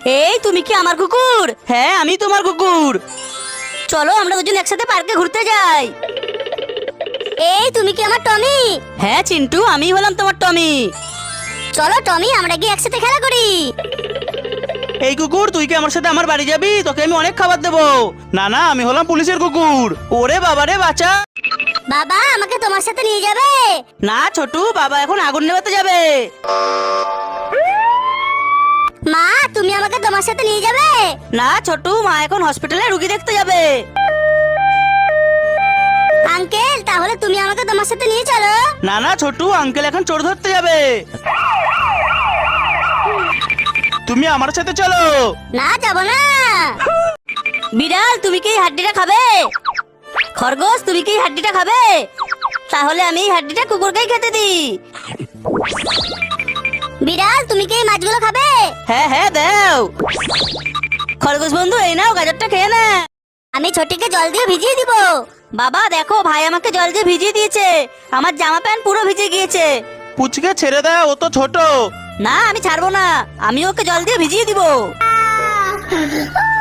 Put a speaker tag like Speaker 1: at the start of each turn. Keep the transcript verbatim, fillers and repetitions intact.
Speaker 1: এই তুমি কি আমার কুকুর? হ্যাঁ আমি তোমার কুকুর। চলো আমরা দুজন একসাথে পার্কে ঘুরতে যাই।
Speaker 2: এই তুমি কি আমার টমি?
Speaker 1: হ্যাঁ চিন্টু, আমি হলাম তোমার টমি।
Speaker 2: চলো টমি, আমরা গিয়ে একসাথে খেলা করি।
Speaker 3: এই কুকুর, তুই কি আমার সাথে আমার বাড়ি যাবি? তোকে আমি অনেক খাবার দেবো। না না, আমি হলাম পুলিশের কুকুর। ওরে বাবা রে, বাঁচা।
Speaker 2: বাবা আমাকে তোমার সাথে নিয়ে যাবে?
Speaker 1: না ছোটু, বাবা এখন আগুন নেভাতে যাবে।
Speaker 2: মা তুমি আমাকে তোমার সাথে নিয়ে যাবে?
Speaker 1: না ছোটু, মা এখন হসপিটালে রুগী দেখতে যাবে।
Speaker 2: আঙ্কেল তাহলে তুমি আমাকে তোমার সাথে নিয়ে চলো।
Speaker 3: না না ছোটু, আঙ্কেল এখন চোর ধরতে যাবে। তুমি আমার সাথে চলো।
Speaker 2: না যাব না।
Speaker 1: বিড়াল তুমি কি এই হাড্ডিটা খাবে? খরগোশ তুমি কি এই হাড্ডিটা খাবে? তাহলে আমি এই হাড্ডিটা কুকুরকেই খেতে দিই।
Speaker 2: বিড়াল তুমি কি এই মাছগুলো খাবে?
Speaker 1: হ্যাঁ হ্যাঁ দাও। খরগোশ বন্ধু এই নাও, গাজরটা খেয়ে না।
Speaker 2: আমি ছোটিকে জল দিয়ে ভিজিয়ে দিব।
Speaker 1: বাবা দেখো, ভাই আমাকে জল দিয়ে ভিজিয়ে দিয়েছে, আমার জামা প্যান্ট পুরো ভিজে গিয়েছে।
Speaker 3: পুচকে ছেড়ে দাও, ও তো ছোট।
Speaker 1: না আমি ছাড়বো না, আমি ওকে জল দিয়ে ভিজিয়ে দিব।